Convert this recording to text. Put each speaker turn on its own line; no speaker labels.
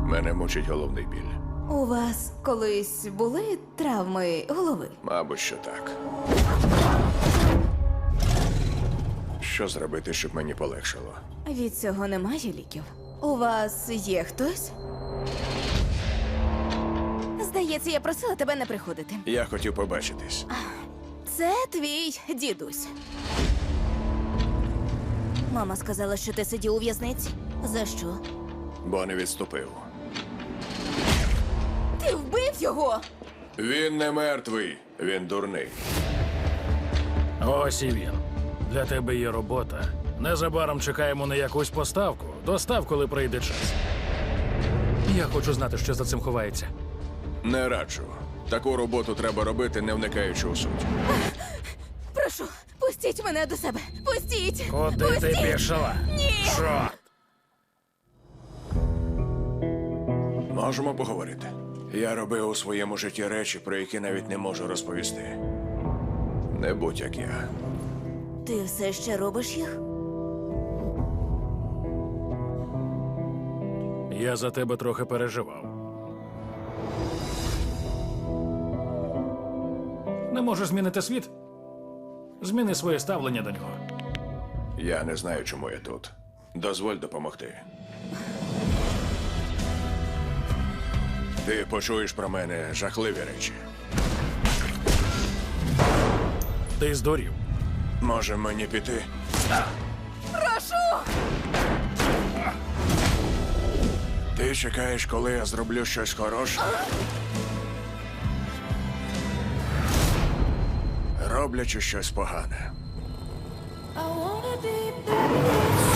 Мене мучить головний біль.
У вас колись були травми голови?
Мабуть, що так. Що зробити, щоб мені полегшало?
Від цього немає ліків. У вас є хтось? Здається, я просила тебе не приходити.
Я хотів побачитись.
Це твій дідусь. Мама сказала, що ти сидів у в'язниці. За що?
Бо не відступив.
Ти вбив його!
Він не мертвий, він дурний.
Ось і він. Для тебе є робота. Незабаром чекаємо на якусь поставку. Достав, коли прийде час. Я хочу знати, що за цим ховається.
Не раджу. Таку роботу треба робити, не вникаючи у суть.
Прошу, пустіть мене до себе! Пустіть!
Куди ти
Пустіть!
пішла?
Ні!
Чорт!
Можемо поговорити. Я робив у своєму житті речі, про які навіть не можу розповісти. Не будь як я.
Ти все ще робиш їх?
Я за тебе трохи переживав. Не можеш змінити світ? Зміни своє ставлення до нього.
Я не знаю, чому я тут. Дозволь допомогти. Ти почуєш про мене жахливі речі.
Ти здурів.
Може мені піти?
Прошу!
Ти чекаєш, коли я зроблю щось хороше? Роблячи щось погане.
I wanna be back.